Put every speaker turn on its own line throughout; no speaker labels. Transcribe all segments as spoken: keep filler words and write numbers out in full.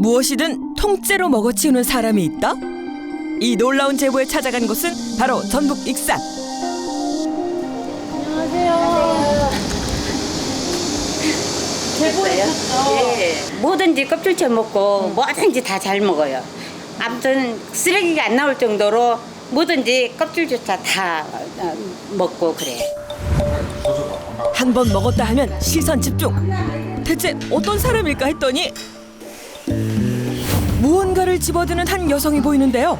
무엇이든 통째로 먹어치우는 사람이 있다? 이 놀라운 제보에 찾아간 곳은 바로 전북 익산.
안녕하세요. 제보했어요?
예. 뭐든지 껍질째 먹고 뭐든지 다 잘 먹어요. 아무튼 쓰레기가 안 나올 정도로 뭐든지 껍질조차 다 어, 먹고 그래.
한 번 먹었다 하면 시선 집중. 대체 어떤 사람일까 했더니 무언가를 집어드는 한 여성이 보이는데요.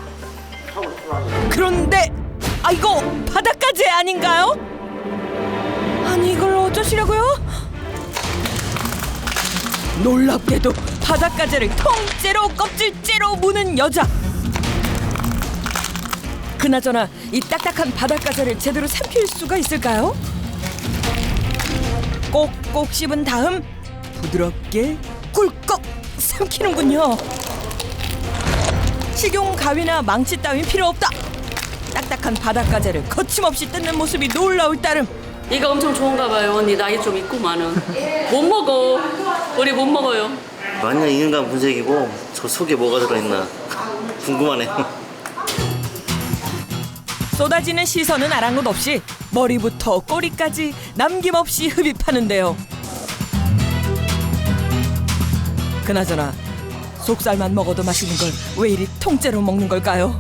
그런데 아 이거 바닷가재 아닌가요? 아니 이걸 어쩌시려고요? 놀랍게도 바닷가재를 통째로 껍질째로 무는 여자. 그나저나 이 딱딱한 바닷가재를 제대로 삼킬 수가 있을까요? 꼭꼭 씹은 다음 부드럽게 꿀꺽 삼키는군요. 식용 가위나 망치 따윈 필요 없다. 딱딱한 바닷가재를 거침없이 뜯는 모습이 놀라울 따름.
이거 엄청 좋은가 봐요. 언니 나이 좀 있구만은. 못 먹어. 우리 못 먹어요.
완전 인간 분석이고 저 속에 뭐가 들어있나 궁금하네요.
쏟아지는 시선은 아랑곳 없이 머리부터 꼬리까지 남김없이 흡입하는데요. 그나저나 속살만 먹어도 맛있는 걸 왜 이리 통째로 먹는 걸까요?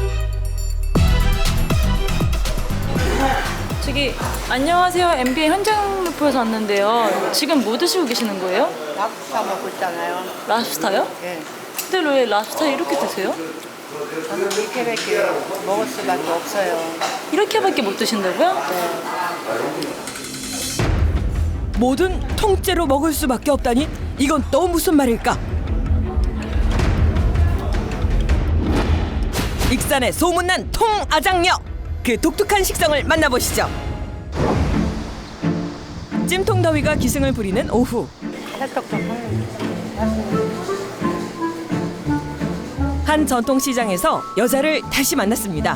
저기 안녕하세요. 엠비엔 현장 루프에서 왔는데요. 지금 뭐 드시고 계시는 거예요?
랍스타 먹고 있잖아요.
랍스타요?
예.
근데 왜 랍스타 이렇게 드세요?
저는 이렇게밖에 먹을 수밖에 없어요.
이렇게밖에 못 드신다고요?
뭐든 통째로 먹을 수밖에 없다니 이건 또 무슨 말일까? 익산의 소문난 통아장녀, 그 독특한 식성을 만나보시죠. 찜통더위가 기승을 부리는 오후,
찰떡도
한 전통시장에서 여자를 다시 만났습니다.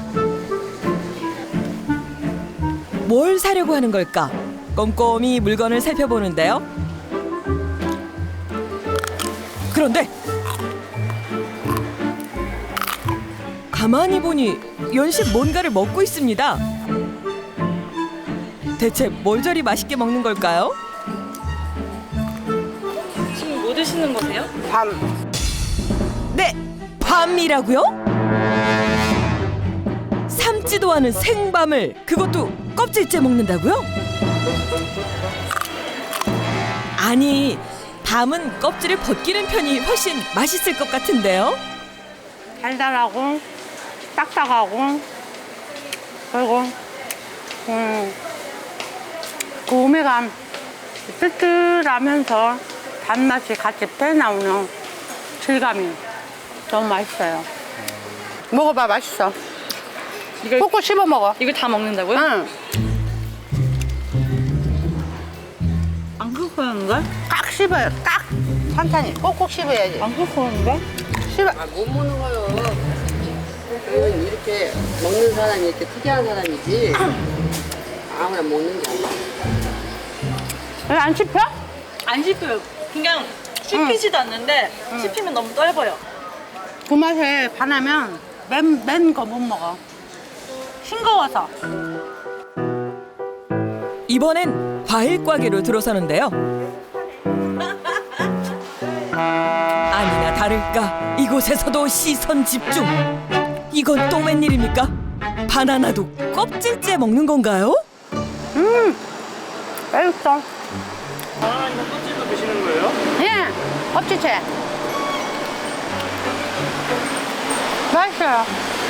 뭘 사려고 하는 걸까? 꼼꼼히 물건을 살펴보는데요. 그런데 가만히 보니 연식 뭔가를 먹고 있습니다. 대체 뭘 저리 맛있게 먹는 걸까요?
지금 뭐 드시는 거세요?
밤.
네, 밤이라고요? 삶지도 않은 생밤을 그것도 껍질째 먹는다고요? 아니, 밤은 껍질을 벗기는 편이 훨씬 맛있을 것 같은데요?
달달하고 딱딱하고 그리고 음, 그 오메감 뜨뜻하면서 단맛이 같이 빼나오는 질감이 너무 맛있어요. 먹어봐, 맛있어.
이걸
꼭꼭 씹어 먹어.
이걸 다 먹는다고요?
응.
안 끓여는데?
깍 씹어요. 깍. 천천히 꼭꼭 씹어야지.
안 끓여는데?
씹어.
아, 못 먹는 거요. 그건 이렇게 먹는 사람이 이렇게 특이한 사람이지. 아무나 먹는 게 아니야.
왜 안 씹혀?
안 씹혀요. 그냥 씹히지도 않는데 씹히면 너무 떫어요.
그 맛에 반하면 맨, 맨 거 못 먹어. 싱거워서.
이번엔 과일 가게로 들어서는데요. 아니나 다를까 이곳에서도 시선 집중. 이건 또 웬일입니까? 바나나도 껍질째 먹는 건가요?
맛있어.
아 이거 껍질도 드시는 거예요?
예, 껍질째. 맛있어요.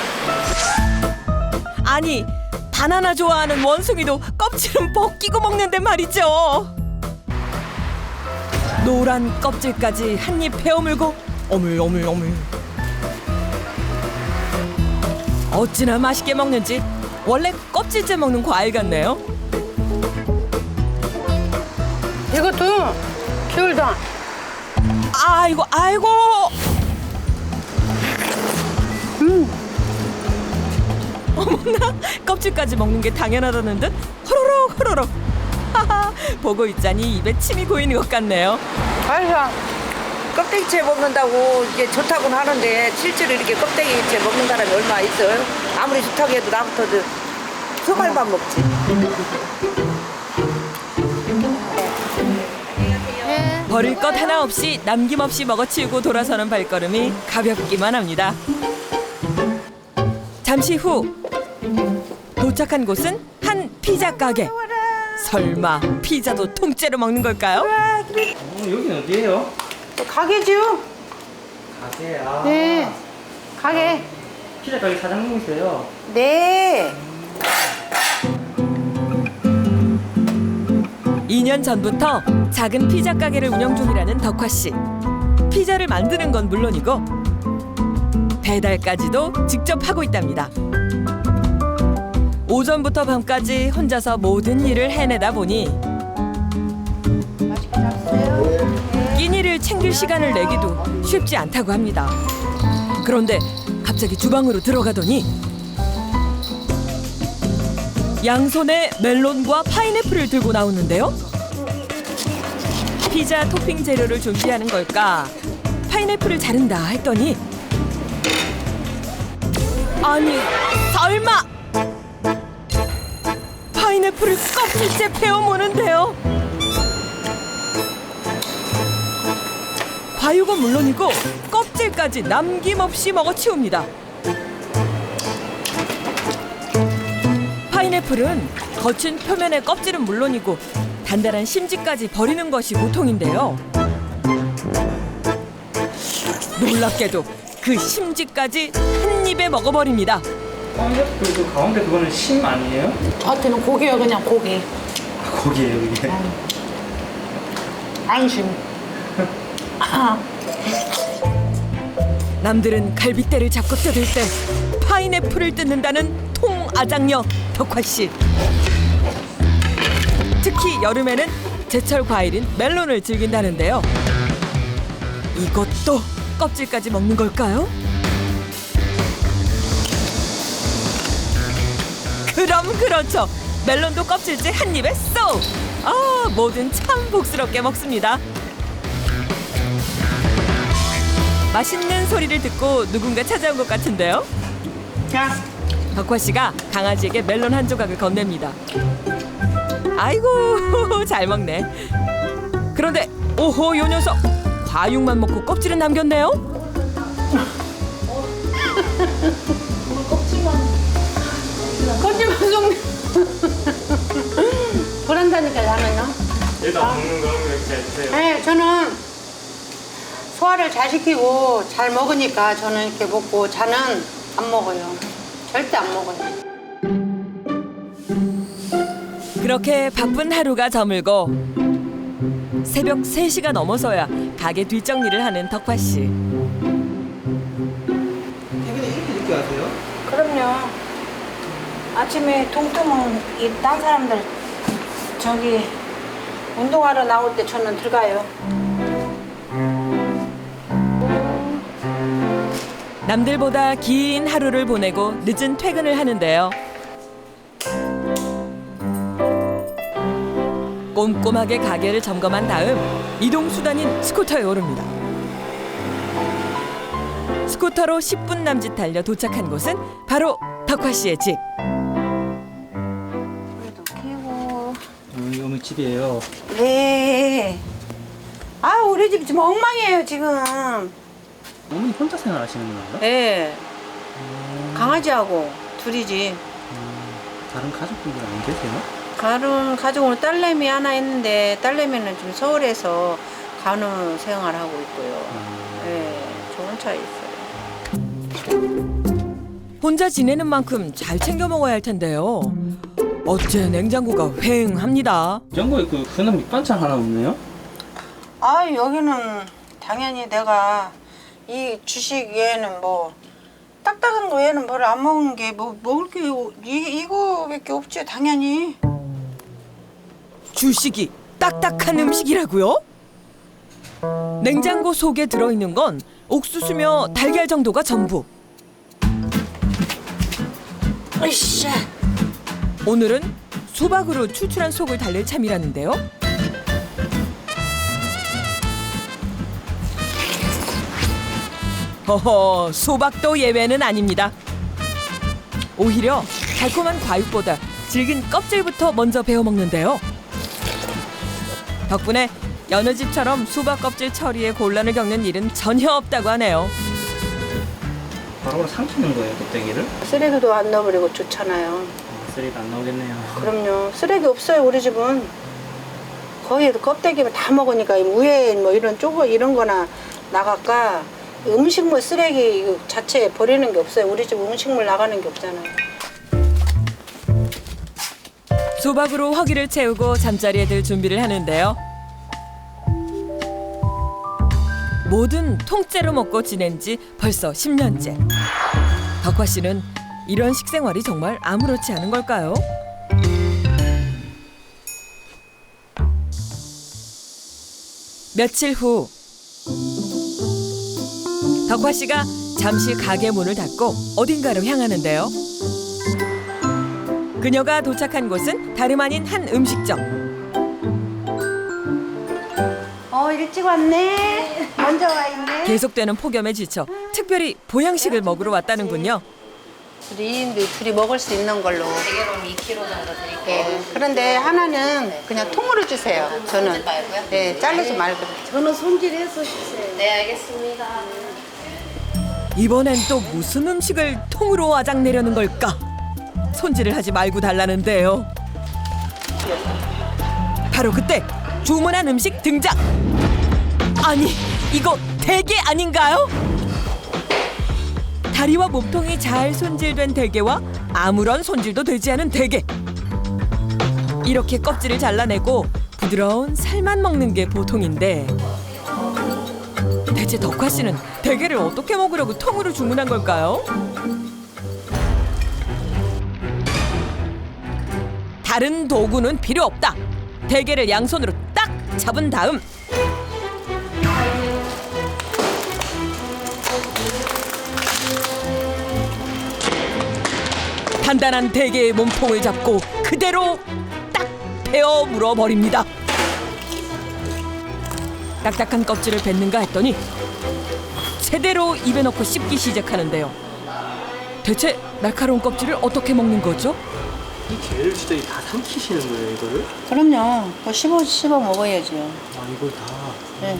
아니, 바나나 좋아하는 원숭이도 껍질은 벗기고 먹는데 말이죠. 노란 껍질까지 한 입 베어물고 어물어물어물. 어찌나 맛있게 먹는지 원래 껍질째 먹는 과일 같네요.
이것도 귤도.
아이고 아이고. 어머나, 껍질까지 먹는 게 당연하다는 듯 호로록 호로록. 하하, 보고 있자니 입에 침이 고이는 것 같네요.
맛있어.
껍데기채 먹는다고 이게 좋다고는 하는데 실제로 이렇게 껍데기채 먹는 사람이 얼마 있어요? 아무리 좋다고 해도 나부터도 소갈만 먹지.
버릴 것 하나 없이 남김없이 먹어치우고 돌아서는 발걸음이 가볍기만 합니다. 잠시 후 도착한 곳은 한 피자 가게. 설마 피자도 통째로 먹는 걸까요?
어, 여기는 어디예요?
가게죠?
가게야.
네. 가게.
피자 가게 사장님이세요?
네.
이 년 전부터 작은 피자 가게를 운영 중이라는 덕화 씨. 피자를 만드는 건 물론이고 배달까지도 직접 하고 있답니다. 오전부터 밤까지 혼자서 모든 일을 해내다 보니 끼니를 챙길 시간을 내기도 쉽지 않다고 합니다. 그런데 갑자기 주방으로 들어가더니 양손에 멜론과 파인애플을 들고 나오는데요. 피자 토핑 재료를 준비하는 걸까? 파인애플을 자른다 했더니 아니 설마 파인애플을 껍질째 베어 무는데요. 과육은 물론이고 껍질까지 남김없이 먹어치웁니다. 파인애플은 거친 표면의 껍질은 물론이고 단단한 심지까지 버리는 것이 보통인데요. 놀랍게도 그 심지까지 한 입에 먹어버립니다.
파인애플 가운데 그거는 심 아니에요?
저한테는 고기야 그냥 고기.
아, 고기예요 이게.
안심.
남들은 갈빗대를 잡고 뜯을 때 파인애플을 뜯는다는 통아장녀 덕화 씨. 특히 여름에는 제철 과일인 멜론을 즐긴다는데요. 이것도 껍질까지 먹는 걸까요? 그럼 그렇죠. 멜론도 껍질째 한 입에 쏙! 아, 뭐든 참 복스럽게 먹습니다. 맛있는 소리를 듣고 누군가 찾아온 것 같은데요.
자.
덕화 씨가 강아지에게 멜론 한 조각을 건넵니다. 아이고 잘 먹네. 그런데 오호 요 녀석 과육만 먹고 껍질은 남겼네요.
껍질만 좀. 그런다니까 나는요.
얘도 안 먹는 거 이렇게 해주세요.
네, 저는 소화를 잘 시키고 잘 먹으니까 저는 이렇게 먹고 자는 안 먹어요. 절대 안 먹어요.
그렇게 바쁜 하루가 저물고 새벽 세 시가 넘어서야 가게 뒷정리를 하는 덕화 씨.
퇴근에 이렇게 늦게 하세요?
그럼요. 아침에 동트면 이딴 사람들 저기 운동하러 나올 때 저는 들어가요.
남들보다 긴 하루를 보내고 늦은 퇴근을 하는데요. 꼼꼼하게 가게를 점검한 다음 이동 수단인 스쿠터에 오릅니다. 스쿠터로 십 분 남짓 달려 도착한 곳은 바로 덕화 씨의 집.
불도 켜고.
여기 어머니 집이에요.
네. 아 우리 집 지금 엉망이에요 지금.
어머니 혼자 생활하시는 건가요?
네. 강아지하고 둘이지.
음, 다른 가족분들 안 계세요?
다른 가족은 딸내미 하나 있는데 딸내미는 지금 서울에서 간호 생활하고 있고요. 네, 좋은 차에 있어요.
혼자 지내는 만큼 잘 챙겨 먹어야 할 텐데요. 어째 냉장고가 휑합니다.
냉장고에 그 흔한 밑반찬 하나 없네요?
아 여기는 당연히 내가 이 주식 외에는 뭐 딱딱한 거 외에는 뭘 안 먹은 게 뭐 먹을 게 이, 이거밖에 없지 당연히.
주식이 딱딱한 음식이라고요? 냉장고 속에 들어있는 건 옥수수며 달걀 정도가 전부.
으쌰.
오늘은 수박으로 추출한 속을 달랠 참이라는데요. 허허, 수박도 예외는 아닙니다. 오히려 달콤한 과육보다 질긴 껍질부터 먼저 베어 먹는데요. 덕분에 여느 집처럼 수박 껍질 처리에 곤란을 겪는 일은 전혀 없다고 하네요.
바로 삼키는 거예요, 껍데기를?
쓰레기도 안 넣어버리고 좋잖아요.
쓰레기 안 나오겠네요.
그럼요. 쓰레기 없어요 우리 집은. 거의 껍데기만 다 먹으니까 무에 뭐 이런 쪼거 이런 거나 나갈까 음식물 쓰레기 이거 자체에 버리는 게 없어요. 우리 집 음식물 나가는 게 없잖아요.
수박으로 허기를 채우고 잠자리에 들 준비를 하는데요. 뭐든 통째로 먹고 지낸 지 벌써 십 년째. 덕화 씨는 이런 식생활이 정말 아무렇지 않은 걸까요? 며칠 후 덕화 씨가 잠시 가게 문을 닫고 어딘가로 향하는데요. 그녀가 도착한 곳은 다름 아닌 한 음식점.
어 일찍 왔네. 먼저 와 있네.
계속되는 폭염에 지쳐 특별히 보양식을 먹으러 왔다는군요.
둘이 둘이 먹을 수 있는 걸로.
대게로는 이 킬로그램 정도 드릴게요.
네. 그런데 하나는 그냥 통으로 주세요. 저는. 네, 자르지 말고.
저는 손질해서 주세요. 네, 알겠습니다.
이번엔 또 무슨 음식을 통으로 아작 내려는 걸까? 손질을 하지 말고 달라는데요. 바로 그때 주문한 음식 등장. 아니, 이거 대게 아닌가요? 다리와 몸통이 잘 손질된 대게와 아무런 손질도 되지 않은 대게. 이렇게 껍질을 잘라내고 부드러운 살만 먹는 게 보통인데 대체 덕화 씨는 대게를 어떻게 먹으려고 통으로 주문한 걸까요? 다른 도구는 필요 없다. 대게를 양손으로 딱 잡은 다음 단단한 대게의 몸통을 잡고 그대로 딱 베어 물어버립니다. 딱딱한 껍질을 뱉는가 했더니 제대로 입에 넣고 씹기 시작하는데요. 대체 날카로운 껍질을 어떻게 먹는 거죠?
이 게를 진짜 다 삼키시는 거예요, 이거를?
그럼요. 뭐 씹어 씹어 먹어야죠.
아, 이걸 다.
네.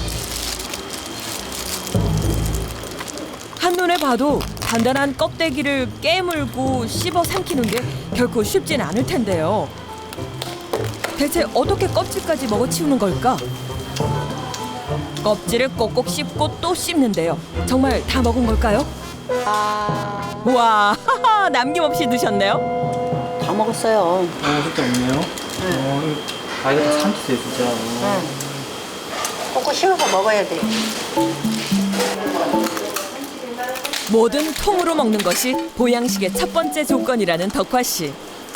한눈에 봐도 단단한 껍데기를 깨물고 씹어 삼키는 게 결코 쉽진 않을 텐데요. 대체 어떻게 껍질까지 먹어치우는 걸까? 껍질을 꼭꼭 씹고 또 씹는데요. 정말 다 먹은 걸까요?
아,
와, 남김없이 드셨네요.
다 먹었어요.
어, 그때 없네요. 어, 이거- 아, 이거 다 삼키세요, 진짜. 어.
꼭꼭 씹어서 먹어야 돼.
뭐든 통으로 먹는 것이 보양식의 첫 번째 조건이라는 덕화 씨.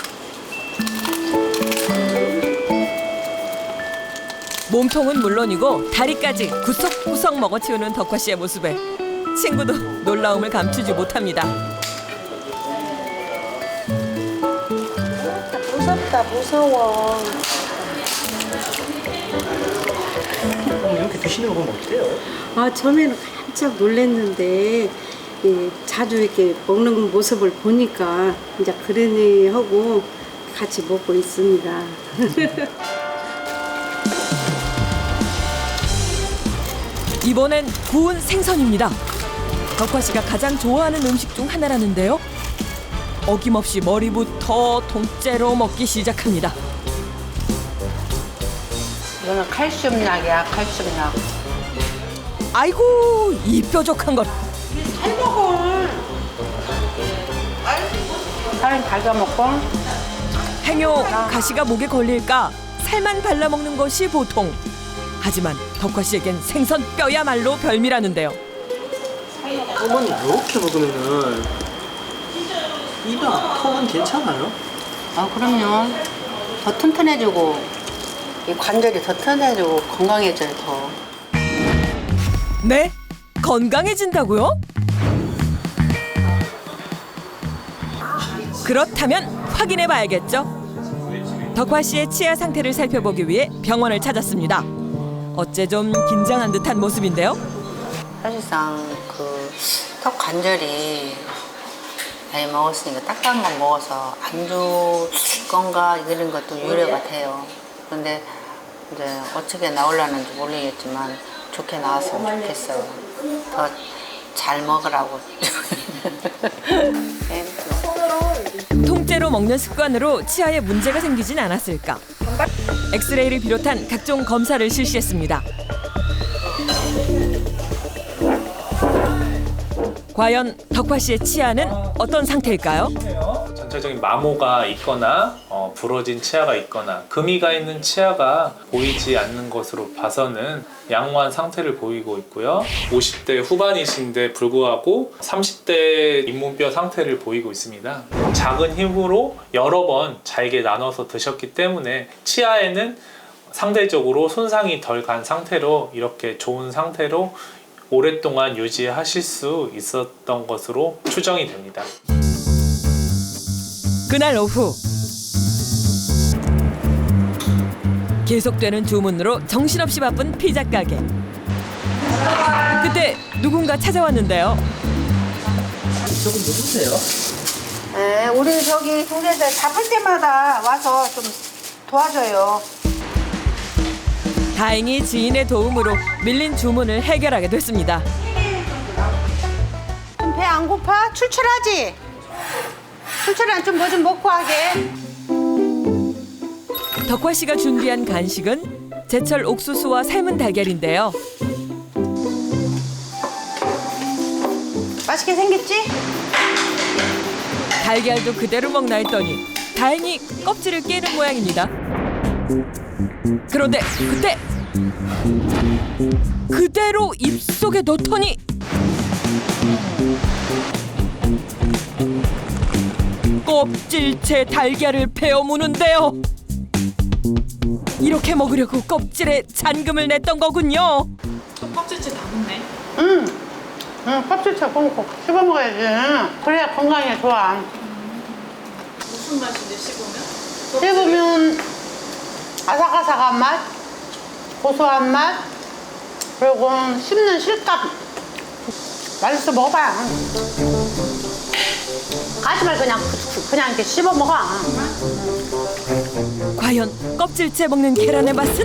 몸통은 물론이고 다리까지 구석구석 먹어치우는 덕화 씨의 모습에 친구도 놀라움을 감추지 못합니다.
무섭다, 무서워.
그럼 이렇게 드시는 거 보면 어때요?
아, 처음에는 깜짝 놀랐는데 예, 자주 이렇게 먹는 모습을 보니까 이제 그러니 하고 같이 먹고 있습니다.
이번엔 구운 생선입니다. 덕화 씨가 가장 좋아하는 음식 중 하나라는데요. 어김없이 머리부터 통째로 먹기 시작합니다.
이거는 칼슘약이야, 칼슘약.
아이고, 이 뾰족한 것.
잘 먹어. 살은 달가 먹고.
행여 가시가 목에 걸릴까 살만 발라먹는 것이 보통. 하지만 덕화 씨에겐 생선 뼈야말로 별미라는데요.
어머니, 이렇게 먹으면은 입이랑 턱은 괜찮아요?
아, 그럼요. 더 튼튼해지고 이 관절이 더 튼튼해지고 건강해져요, 더.
네? 건강해진다고요? 그렇다면 확인해 봐야겠죠. 덕화 씨의 치아 상태를 살펴보기 위해 병원을 찾았습니다. 어째 좀 긴장한 듯한 모습인데요.
사실상 그 턱 관절이 나이 먹었으니까 딱딱한 거 먹어서 안 좋을 건가 이런 것도 유래 같아요. 근데 이제 어떻게 나오려는지 모르겠지만 좋게 나왔으면 좋겠어요. 더 잘 먹으라고.
통째로 먹는 습관으로 치아에 문제가 생기진 않았을까? 엑스레이를 비롯한 각종 검사를 실시했습니다. 과연 덕화 씨의 치아는 어떤 상태일까요?
전체적인 마모가 있거나 어, 부러진 치아가 있거나 금이 가 있는 치아가 보이지 않는 것으로 봐서는 양호한 상태를 보이고 있고요. 오십 대 후반이신데 불구하고 삼십 대 잇몸뼈 상태를 보이고 있습니다. 작은 힘으로 여러 번 잘게 나눠서 드셨기 때문에 치아에는 상대적으로 손상이 덜 간 상태로 이렇게 좋은 상태로 오랫동안 유지하실 수 있었던 것으로 추정이 됩니다.
그날 오후 계속되는 주문으로 정신없이 바쁜 피자 가게. 그때 누군가 찾아왔는데요.
조금 누구세요?
네, 우리 저기 동네들 바쁠 때마다 와서 좀 도와줘요.
다행히 지인의 도움으로 밀린 주문을 해결하게 됐습니다.
배 안 고파? 출출하지? 출출한 좀 뭐 좀 먹고 하게.
덕화 씨가 준비한 간식은 제철 옥수수와 삶은 달걀인데요.
맛있게 생겼지?
달걀도 그대로 먹나 했더니 다행히 껍질을 깨는 모양입니다. 그런데 그때 그대로 입속에 넣더니 껍질째 달걀을 베어 무는데요. 이렇게 먹으려고 껍질에 잔금을 냈던 거군요.
껍질째 다 먹네.
응. 응, 껍질째 꽁꽁 씹어 먹어야지. 그래야 건강에 좋아.
무슨 맛인데 씹으면?
씹으면 아삭아삭한 맛, 고소한 맛, 그리고 씹는 실감. 맛있어 먹어봐. 가지 말고 그냥 그냥 이렇게 씹어 먹어.
과연 껍질째 먹는 계란의 맛은?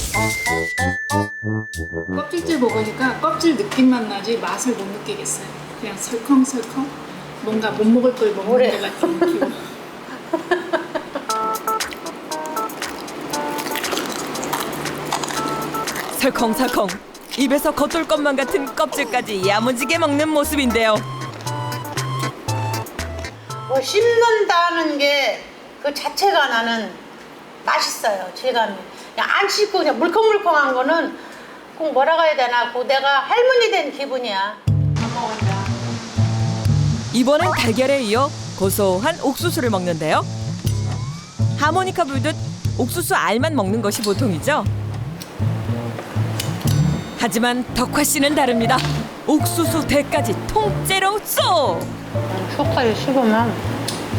껍질째 먹으니까 껍질 느낌만 나지 맛을 못 느끼겠어요. 그냥 설컹설컹 뭔가 못 먹을 걸 먹는
그래.
것 같은 느낌.
설컹설컹 입에서 겉돌 것만 같은 껍질까지 야무지게 먹는 모습인데요.
뭐 씹는다는 게 그 자체가 나는 맛있어요. 질감이. 그냥 안 씹고 그냥 물컹물컹한 거는 꼭 뭐라고 해야 되나? 그 내가 할머니 된 기분이야.
이번엔 달걀에 이어 고소한 옥수수를 먹는데요. 하모니카 불듯 옥수수 알만 먹는 것이 보통이죠. 하지만 덕화 씨는 다릅니다. 옥수수 대까지 통째로 쏙!
속까지 씹으면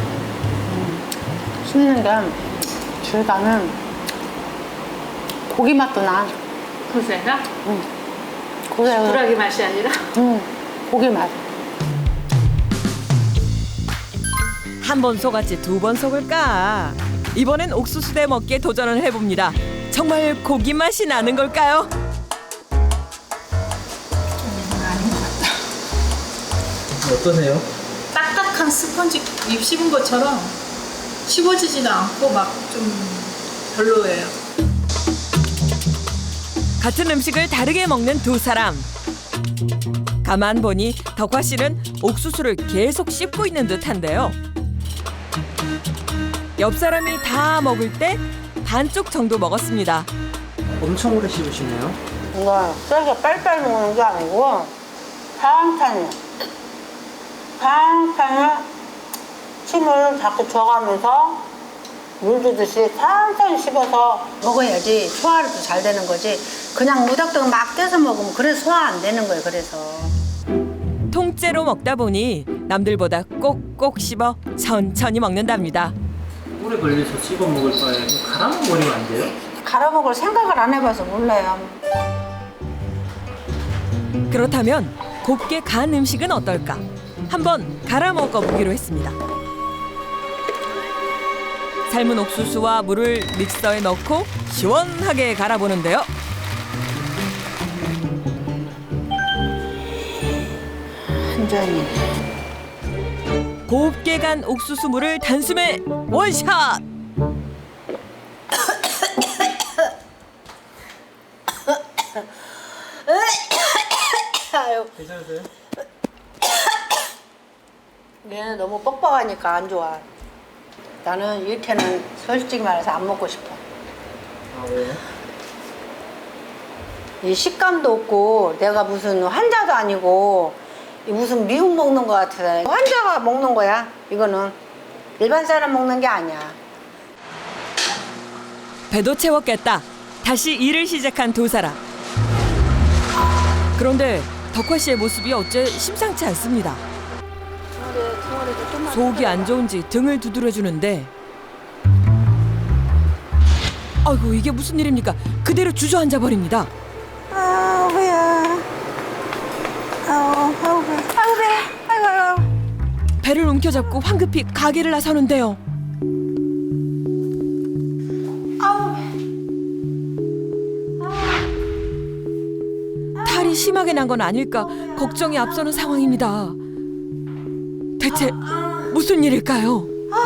씹는 게 질감은 고기 맛도 나.
고세가?
응. 고기
불하기 맛이 아니라?
응. 고기 맛.
한 번 속았지 두 번 속을까? 이번엔 옥수수대 먹기에 도전을 해봅니다. 정말 고기 맛이 나는 걸까요?
어떠세요?
딱딱한 스펀지 입 씹은 것처럼 씹어지지도 않고 막 좀 별로예요.
같은 음식을 다르게 먹는 두 사람. 가만 보니 덕화 씨는 옥수수를 계속 씹고 있는 듯한데요. 옆 사람이 다 먹을 때 반쪽 정도 먹었습니다.
엄청 오래 씹으시네요.
이거 세게 빨빨 먹는 게 아니고 천천히 천천히 침을 자꾸 줘가면서 물 주듯이 천천히 씹어서 먹어야지 소화도 잘 되는 거지. 그냥 무작정 막 떼서 먹으면 그래서 소화 안 되는 거예요. 그래서
통째로 먹다 보니 남들보다 꼭꼭 씹어 천천히 먹는답니다.
오래 걸려서 씹어 먹을 바에 갈아 먹으면 안 돼요?
갈아먹을 생각을 안 해봐서 몰라요.
그렇다면 곱게 간 음식은 어떨까? 한번 갈아 먹어보기로 했습니다. 삶은 옥수수와 물을 믹서에 넣고 시원하게 갈아보는데요.
한 잔이.
곱게 간 옥수수 물을 단숨에 원샷!
괜찮으세요? 얘는 너무 뻑뻑하니까 안 좋아. 나는 이렇게는 솔직히 말해서 안 먹고 싶어.
아, 왜요?
이 식감도 없고 내가 무슨 환자도 아니고 이 무슨 미국 먹는 거 같아. 환자가 먹는 거야. 이거는 일반 사람 먹는 게 아니야.
배도 채웠겠다. 다시 일을 시작한 두 사람. 그런데 덕화 씨의 모습이 어째 심상치 않습니다. 속이 안 좋은지 등을 두드려주는데 아이고 이게 무슨 일입니까? 그대로 주저앉아 버립니다.
아 배야. 아우 아우 배. 아우 배. 아이고 아이고.
배를 움켜잡고 황급히 가게를 나서는데요.
아우 배.
탈이 심하게 난 건 아닐까 걱정이 앞서는 상황입니다. 대체 무슨 일일까요?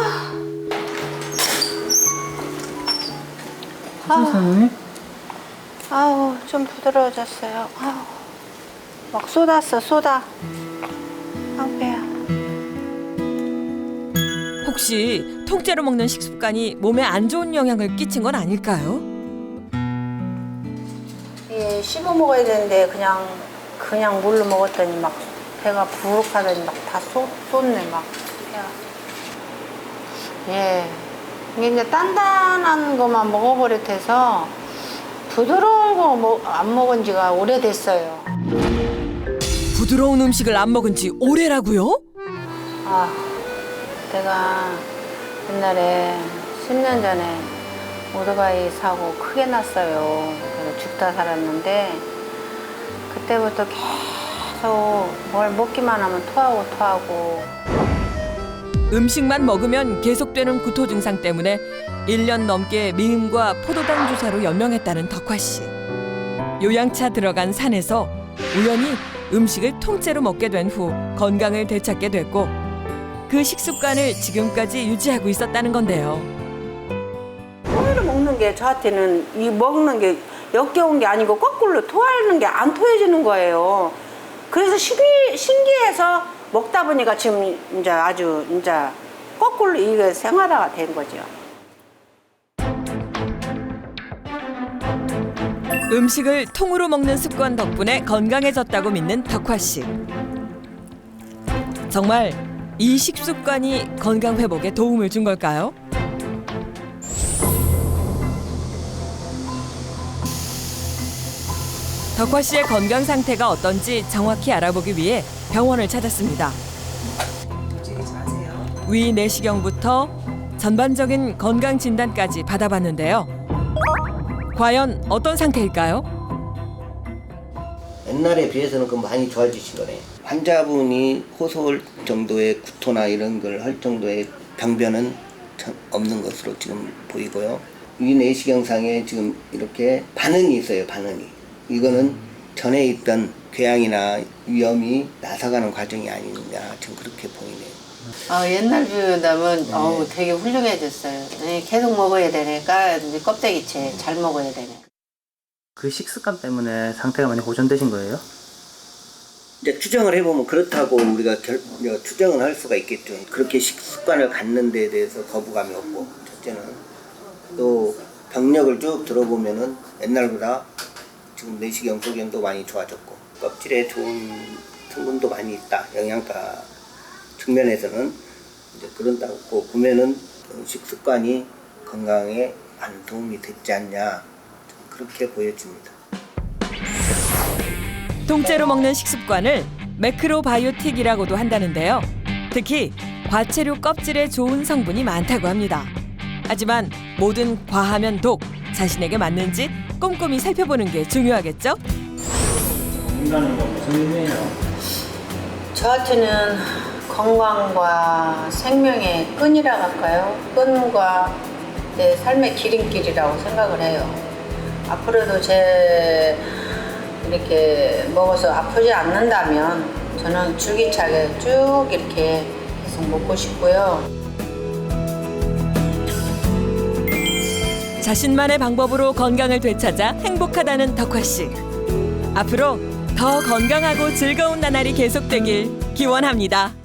아우, 아우 좀 부드러워졌어요. 아우 막 쏟았어 쏟아. 아우 배야.
혹시 통째로 먹는 식습관이 몸에 안 좋은 영향을 끼친 건 아닐까요?
예, 씹어 먹어야 되는데 그냥 그냥 물로 먹었더니 막 배가 부룩하더니 막 다 쏟네 막. 예, 이게 이제 단단한 것만 먹어버릇해서 부드러운 거 안 먹은 지가 오래됐어요.
부드러운 음식을 안 먹은 지 오래라고요?
아, 내가 옛날에 십 년 전에 오토바이 사고 크게 났어요. 그래서 죽다 살았는데 그때부터 계속 뭘 먹기만 하면 토하고 토하고.
음식만 먹으면 계속되는 구토 증상 때문에 일 년 넘게 미음과 포도당 주사로 연명했다는 덕화 씨. 요양차 들어간 산에서 우연히 음식을 통째로 먹게 된 후 건강을 되찾게 됐고 그 식습관을 지금까지 유지하고 있었다는 건데요.
토해를 먹는 게 저한테는 이 먹는 게 역겨운 게 아니고 거꾸로 토하는 게 안 토해지는 거예요. 그래서 신기, 신기해서 먹다 보니까 지금 이제 아주 이제 거꾸로 이게 생활화가 된 거죠.
음식을 통으로 먹는 습관 덕분에 건강해졌다고 믿는 덕화 씨. 정말 이 식습관이 건강 회복에 도움을 준 걸까요? 덕화 씨의 건강 상태가 어떤지 정확히 알아보기 위해 병원을 찾았습니다. 위 내시경부터 전반적인 건강 진단까지 받아봤는데요. 과연 어떤 상태일까요?
옛날에 비해서는 그 많이 좋아지신 거네. 환자분이 호소할 정도의 구토나 이런 걸 할 정도의 병변은 없는 것으로 지금 보이고요. 위 내시경상에 지금 이렇게 반응이 있어요. 반응이. 이거는 전에 있던 궤양이나 위염이 나서가는 과정이 아니냐 지금 그렇게 보이네요.
아, 옛날 비유다면 어우 되게 훌륭해졌어요. 네, 계속 먹어야 되니까 이제 껍데기채 잘 먹어야 되네.
그 식습관 때문에 상태가 많이 호전되신 거예요?
이제 추정을 해보면 그렇다고 우리가 결, 추정을 할 수가 있겠죠. 그렇게 식습관을 갖는 데에 대해서 거부감이 없고, 첫째는 또 병력을 쭉 들어보면은 옛날보다 지금 내시경, 소경도 많이 좋아졌고 껍질에 좋은 성분도 많이 있다. 영양가 측면에서는 이제 그런다고 보면은 식습관이 건강에 많은 도움이 됐지 않냐 그렇게 보여집니다.
통째로 먹는 식습관을 매크로바이오틱이라고도 한다는데요. 특히 과채류 껍질에 좋은 성분이 많다고 합니다. 하지만 뭐든 과하면 독, 자신에게 맞는지 꼼꼼히 살펴보는 게 중요하겠죠?
끈다는 건 무슨 의미예요?
저한테는 건강과 생명의 끈이라고 할까요? 끈과 내 삶의 기름길이라고 생각을 해요. 앞으로도 제 이렇게 먹어서 아프지 않는다면 저는 줄기차게 쭉 이렇게 계속 먹고 싶고요.
자신만의 방법으로 건강을 되찾아 행복하다는 덕화 씨. 앞으로 더 건강하고 즐거운 나날이 계속되길 기원합니다.